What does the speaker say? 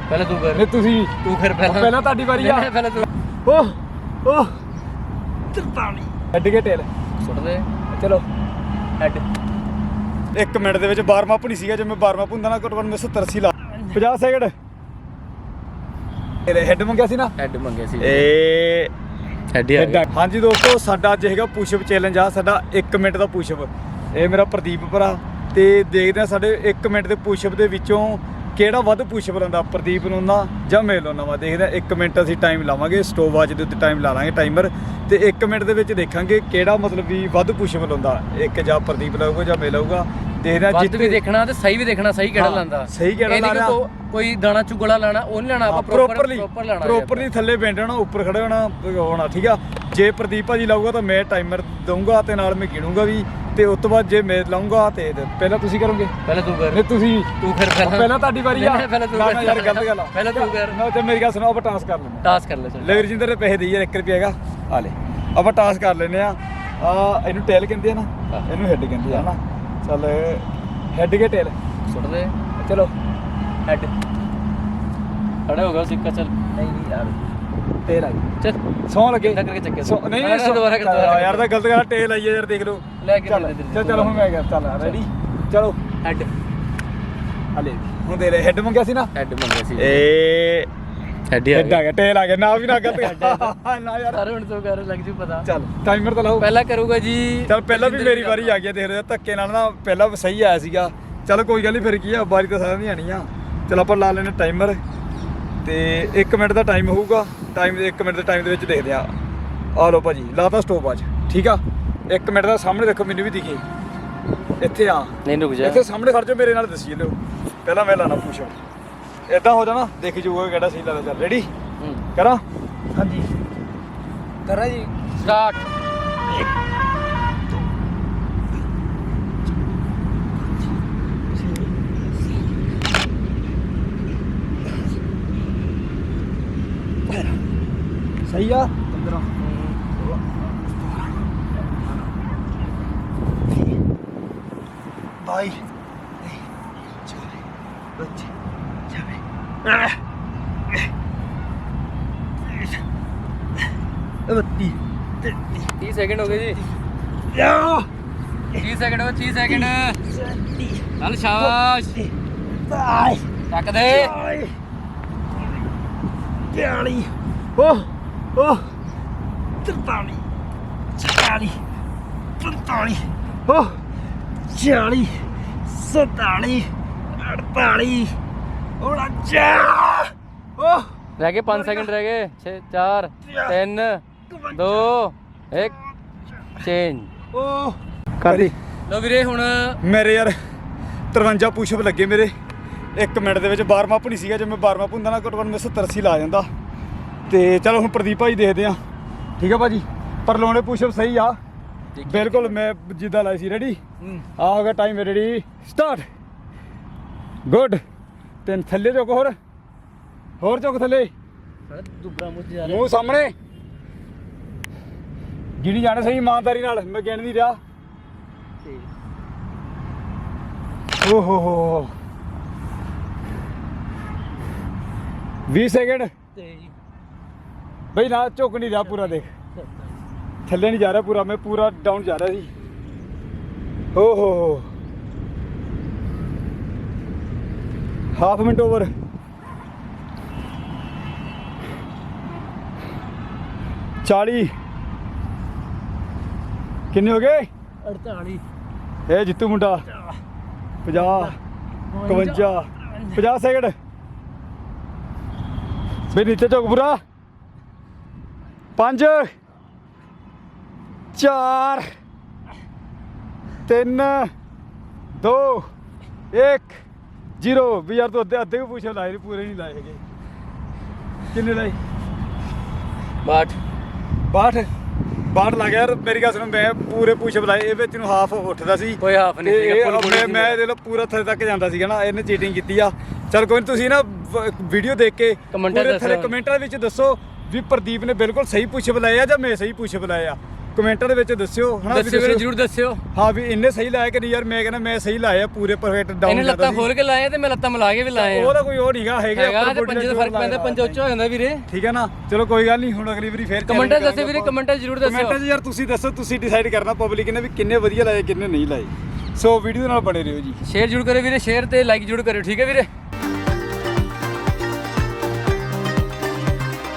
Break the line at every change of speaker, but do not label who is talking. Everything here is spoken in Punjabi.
पहले तू कर।
नहीं तुसी
तू कर पहले।
पहला ਤੁਹਾਡੀ ਵਾਰੀ ਆ।
पहले तू।
ओह ओह 43 हेड के टेल
सुट दे।
चलो
हेड
1 ਮਿੰਟ ਦੇ ਵਿੱਚ 12ਵਾਂ ਭੁਣੀ ਸੀਗਾ। ਜੇ ਮੈਂ 12ਵਾਂ ਭੁੰਦਾ ਨਾ ਘੱਟੋ ਘੱਟ ਮੈਂ 70 80 ਲਾ 50 ਸੈਕਿੰਡ। ਇਹਦੇ ਹੈਡ ਮੰਗਿਆ ਸੀ ਨਾ।
हेड मंगे सी।
ਏ
हेड ही आ गया।
ਹਾਂਜੀ ਦੋਸਤੋ ਸਾਡਾ ਅੱਜ ਹੈਗਾ ਪੁਸ਼ਅਪ ਚੈਲੰਜ ਆ। ਸਾਡਾ 1 ਮਿੰਟ ਦਾ ਪੁਸ਼ਅਪ। ਇਹ ਮੇਰਾ ਪ੍ਰਦੀਪ ਭਰਾ ਤੇ ਦੇਖਦੇ ਆ ਸਾਡੇ 1 ਮਿੰਟ ਦੇ ਪੁਸ਼ਅਪ ਦੇ ਵਿੱਚੋਂ ਕਿਹੜਾ ਵੱਧ ਪੁਸ਼ਅਪ ਲਾਉਂਦਾ, ਪ੍ਰਦੀਪ ਨੂੰ ਨਾ ਜਾਂ ਮੈਂ ਲਾਉਣਾ ਵਾ। ਦੇਖਦੇ ਆ 1 ਮਿੰਟ ਅਸੀਂ ਟਾਈਮ ਲਾਵਾਂਗੇ, ਸਟੋਪ ਵਾਚ ਦੇ ਉੱਤੇ ਟਾਈਮ ਲਾ ਲਾਂਗੇ ਟਾਈਮਰ ਤੇ 1 ਮਿੰਟ ਦੇ ਵਿੱਚ ਦੇਖਾਂਗੇ ਕਿਹੜਾ ਮਤਲਬ ਵੀ ਵੱਧ ਪੁਸ਼ਅਪ ਲਾਉਂਦਾ। ਇੱਕ ਜਾਂ ਪ੍ਰਦੀਪ ਲਾਊਗਾ ਜਾਂ ਮੈਂ ਲਾਊਗਾ। ਦੇਖਦੇ ਆ
ਵੱਧ ਵੀ ਦੇਖਣਾ ਤੇ ਸਹੀ ਵੀ ਦੇਖਣਾ, ਸਹੀ ਕਿਹੜਾ ਲਾਂਦਾ।
ਸਹੀ ਕਿਹੜਾ ਲਾ ਰਿਹਾ।
ਕੋਈ ਦਾਣਾ ਚੁਗਲਾ ਲਾਣਾ ਉਹ ਨਹੀਂ ਲਾਣਾ, ਆਪਾਂ
ਪ੍ਰੋਪਰਲੀ ਥੱਲੇ ਬੈਠ ਜਾਣਾ, ਉੱਪਰ ਖੜੇ ਹੋਣਾ ਠੀਕ ਆ। ਜੇ ਪ੍ਰਦੀਪ ਭਾਜੀ ਲਾਊਗਾ ਤਾਂ ਮੈਂ ਟਾਈਮਰ ਦਊਂਗਾ ਤੇ ਨਾਲ ਮੈਂ ਗਿਣੂੰਗਾ ਵੀ ਤੇ ਉਸ ਤੋਂ ਬਾਅਦ ਜੇ ਮੈਂ ਲਾਊਂਗਾ ਤੇ ਪਹਿਲਾਂ ਤੁਸੀਂ ਕਰੋਗੇ।
ਪਹਿਲਾਂ ਤੂੰ ਕਰ।
ਨਹੀਂ ਤੁਸੀਂ
ਤੂੰ ਕਰ
ਪਹਿਲਾਂ ਤੁਹਾਡੀ ਵਾਰੀ ਆ।
ਪਹਿਲਾਂ ਤੂੰ ਕਰ
ਯਾਰ ਗਲਤ ਗੱਲ ਆ।
ਪਹਿਲਾਂ ਤੂੰ ਕਰ।
ਨਾ ਤੇ ਮੇਰੀ ਗੱਲ ਸੁਣੋ, ਆਪਾਂ ਟਾਸ ਕਰ ਲੈਂਦੇ।
ਟਾਸ ਕਰ ਲੈ ਚੱਲ।
ਲੈ ਰਜਿੰਦਰ ਦੇ ਪੈਸੇ ਦੇਈ ਯਾਰ 1 ਰੁਪਿਆ ਹੈਗਾ ਆ ਲੈ। ਆਪਾਂ ਟਾਸ ਕਰ ਲੈਂਦੇ ਆ। ਇਹਨੂੰ ਟੇਲ ਕਹਿੰਦੇ ਆ ਨਾ, ਇਹਨੂੰ ਹੈਡ ਕਹਿੰਦੇ ਆ ਨਾ। ਚੱਲ ਹੈਡ ਕੇ ਟੇਲ
ਸੁੱਟ ਦੇ।
ਚਲੋ
हेड खड़ा होगा सिक्का। चल
ਨਹੀਂ ਨਹੀਂ ਯਾਰ ਟੇਲ ਆ ਗਈ।
चल
ਸੌਂ ਲੱਗੇ
करके चक्के
ਨਹੀਂ
दोबारा कर।
ਯਾਰ ਤਾਂ ਗਲਤ ਗੱਲ ਟੇਲ ਆਈ ਯਾਰ ਦੇਖ ਲਓ।
ले के
ਚੱਲ ਹੁਣ ਮੈਂ ਗਿਆ। ਚੱਲ ਰੈਡੀ ਚਲੋ
हेड
ਹਲੇ ਹੁਣ ਦੇ ਹੈਡ ਮੰਗਿਆ ਸੀ ਨਾ।
हेड मंगे सी।
ਏ
हेड ही आ
ਹੈਡ ਆ
गया।
ਗਿਆ ਟੇਲ ਆ ਗਿਆ ਨਾ ਵੀ ਨਾ ਗਲਤ ਨਾ ਯਾਰ।
सारे हुन तो कर लग जू पता।
ਚੱਲ ਟਾਈਮਰ ਤਾਂ ਲਾਓ।
पहला करूंगा जी।
ਚੱਲ ਪਹਿਲਾਂ ਵੀ ਮੇਰੀ ਵਾਰੀ ਆ ਗਈ। ਦੇਖ ਰਹੇ ਧੱਕੇ ਨਾਲ ਨਾ ਪਹਿਲਾਂ ਸਹੀ ਆਇਆ ਸੀਗਾ। ਚਲ ਕੋਈ ਗੱਲ ਨਹੀਂ, ਫਿਰ ਕੀ ਆ, ਵਾਰੀ ਤਾਂ ਸਾਰਿਆਂ ਦੀ ਆਣੀ ਆ। ਚਲ ਆਪਾਂ ਲਾ ਲੈਣੇ ਟਾਈਮਰ ਤੇ 1 ਮਿੰਟ ਦਾ ਟਾਈਮ ਹੋਊਗਾ। ਟਾਈਮ 1 ਮਿੰਟ ਦੇ ਟਾਈਮ ਦੇ ਵਿੱਚ ਦੇਖਦੇ ਆ। ਆ ਲਓ ਭਾਜੀ ਲਾਤਾ ਸਟੋਪ ਅੱਜ ਠੀਕ ਆ। 1 ਮਿੰਟ ਦਾ ਸਾਹਮਣੇ ਦੇਖੋ, ਮੈਨੂੰ ਵੀ ਦਿਖੇ ਇੱਥੇ ਆ।
नहीं रुक जा।
ਇੱਥੇ ਸਾਹਮਣੇ ਖੜ ਜਾਓ, ਮੇਰੇ ਨਾਲ ਦੱਸੀ ਲਿਓ। ਪਹਿਲਾਂ ਮੈਂ ਲਾਣਾ ਪੁਸ਼ਅਪ। ਇਦਾਂ ਹੋ ਜਾਣਾ, ਦੇਖੀ ਜਾਊਗਾ ਕਿਹੜਾ ਸਹੀ ਲੱਗਦਾ। ਚੱਲ ਰੈਡੀ ਕਰਾਂ। ਹਾਂਜੀ ਕਰਾਂ ਜੀ।
स्टार्ट।
ਸਹੀ ਆ 15 ਬਾਈ
30 सेकंड हो गए जी। 30 सेकंड हो गए। 30 सेकंड। चल शाबाश। टक दे।
42 ओह ओह 43 44 45 ओह 40 47 48 49 ओह
रह गए 5 सेकंड रह गए। 6 4 3 2 1 चेंज।
ओह कर दी।
लो ਵੀਰੇ ਹੁਣ
ਮੇਰੇ ਯਾਰ 53 ਪੁਸ਼ਅਪ ਲੱਗੇ ਮੇਰੇ 1 ਮਿੰਟ ਦੇ ਵਿੱਚ। 12ਵਾਂ ਭੁਣੀ ਸੀਗਾ। ਜੇ ਮੈਂ 12ਵਾਂ ਭੁੰਦਾ ਨਾ ਘੱਟੋ ਘੱਟ ਮੈਂ 70 80 ਲਾ ਜਾਂਦਾ। ਤੇ ਚਲੋ ਹੁਣ ਪ੍ਰਦੀਪ ਭਾਈ ਦੇਖਦੇ ਆ ਠੀਕ ਆ ਭਾਜੀ। ਪਰ ਲਾਉਣੇ ਪੁਸ਼ਅਪ ਸਹੀ ਆ ਬਿਲਕੁਲ ਮੈਂ ਜਿੱਦਾਂ ਲਾਈ ਸੀ। ਰੈਡੀ ਆ ਹੋ ਗਿਆ ਟਾਈਮ ਰੈਡੀ ਸਟਾਰਟ। ਗੁੱਡ। ਤਿੰਨ ਥੱਲੇ ਝੁਕ, ਹੋਰ ਝੁਕ ਥੱਲੇ,
ਦੁਬਰਾ ਮੁੱਝ ਜਾ ਰਿਹਾ।
ਮੂੰਹ ਸਾਹਮਣੇ ਗਿਣੀ ਜਾਣੇ ਸਹੀ ਇਮਾਨਦਾਰੀ ਨਾਲ। ਮੈਂ ਗਿਣ ਨਹੀਂ ਰਿਹਾ। ਓ ਹੋ 20 ਸੈਕਿੰਡ ਬਈ ਨਾ ਝੁਕ ਨਹੀਂ ਰਿਹਾ ਪੂਰਾ। ਦੇਖ ਥੱਲੇ ਨਹੀਂ ਜਾ ਰਿਹਾ ਪੂਰਾ, ਮੈਂ ਪੂਰਾ ਡਾਊਨ ਜਾ ਰਿਹਾ ਸੀ। ਹੋ ਹਾਫ ਮਿੰਟ ਓਵਰ। ਚਾਲੀ ਕਿੰਨੇ ਹੋ ਗਏ?
48
ਇਹ ਜਿੱਤੂ ਮੁੰਡਾ 50 51 50 ਸੈਕਿੰਡ ਬਈ ਨੀਚੇ ਝੁਕ ਪੂਰਾ। 5 4 3 2 1 0 ਵੀ ਯਾਰ ਤੂੰ ਅੱਧੇ ਵੀ ਪੁੱਛੇ ਲਾਏ ਪੂਰੇ ਨਹੀਂ ਲਾਏ ਹੈਗੇ। ਕਿੰਨੇ ਲਾਏ? 62 ਲੱਗ ਗਿਆ ਯਾਰ। ਮੇਰੀ ਗੱਲ ਸੁਣੋ, ਮੈਂ ਪੂਰੇ ਪੁਸ਼ਅਪ ਲਾਏ। ਇਹ ਵਿੱਚ ਨੂੰ ਹਾਫ ਉੱਠਦਾ ਸੀ,
ਕੋਈ ਹਾਫ ਨਹੀਂ ਸੀਗਾ।
ਮੈਂ ਇਹਦੇ ਨਾਲ ਪੂਰਾ ਥੱਲੇ ਤੱਕ ਜਾਂਦਾ ਸੀਗਾ ਨਾ। ਇਹਨੇ ਚੀਟਿੰਗ ਕੀਤੀ ਆ। ਚਲ ਕੋਈ ਨਹੀਂ, ਤੁਸੀਂ ਨਾ ਵੀਡੀਓ ਦੇਖ ਕੇ ਪੂਰੇ ਥੱਲੇ ਕਮੈਂਟਾਂ ਵਿੱਚ ਦੱਸੋ ਵੀ ਪ੍ਰਦੀਪ ਨੇ ਬਿਲਕੁਲ ਸਹੀ ਪੁਸ਼ਅਪ ਲਾਏ ਆ ਜਾਂ ਮੈਂ ਸਹੀ ਪੁਸ਼ਅਪ ਲਾਏ ਆ। ਕਮੈਂਟਾਂ ਦੇ ਵਿੱਚ ਦੱਸਿਓ ਹਨਾ, ਵੀ
ਦੱਸਿਓ ਵੀਰੇ, ਜਰੂਰ ਦੱਸਿਓ।
ਹਾਂ ਵੀ ਇੰਨੇ ਸਹੀ ਲਾਇਆ ਕਿ ਨਹੀਂ ਯਾਰ, ਮੈਂ ਕਹਿੰਦਾ ਮੈਂ ਸਹੀ ਲਾਇਆ ਪੂਰੇ ਪਰਫੈਕਟ ਡਾਊਨ।
ਇਹਨੇ ਲੱਤਾਂ ਖੋਲ ਕੇ ਲਾਏ ਤੇ ਮੈਂ ਲੱਤਾਂ ਮਿਲਾ ਕੇ ਵੀ ਲਾਏ ਆ।
ਉਹਦਾ ਕੋਈ ਉਹ ਨਹੀਂਗਾ,
ਹੈਗਾ ਤੇ ਪੰਜੇ ਦਾ ਫਰਕ ਪੈਂਦਾ, ਪੰਜਾ ਉੱਚਾ ਹੋ ਜਾਂਦਾ ਵੀਰੇ।
ਠੀਕ ਹੈ ਨਾ, ਚਲੋ ਕੋਈ ਗੱਲ ਨਹੀਂ, ਹੁਣ ਅਗਲੀ ਵਾਰੀ ਫੇਰ
ਕਮੈਂਟਾਂ ਦੱਸਿਓ ਵੀਰੇ, ਕਮੈਂਟਾਂ ਜਰੂਰ ਦੱਸਿਓ।
ਕਮੈਂਟਾਂ 'ਚ ਯਾਰ ਤੁਸੀਂ ਦੱਸੋ, ਤੁਸੀਂ ਡਿਸਾਈਡ ਕਰਨਾ ਪਬਲਿਕ ਨੇ ਵੀ ਕਿੰਨੇ ਵਧੀਆ ਲਾਏ ਕਿੰਨੇ ਨਹੀਂ ਲਾਏ। ਸੋ ਵੀਡੀਓ ਨਾਲ ਬਣੇ ਰਹੋ ਜੀ।
ਸ਼ੇਅਰ ਜਰੂਰ ਕਰਿਓ ਵੀਰੇ, ਸ਼ੇਅਰ ਤੇ ਲਾਈਕ ਜਰੂਰ ਕਰਿਓ, ਠੀਕ ਹੈ ਵੀਰੇ।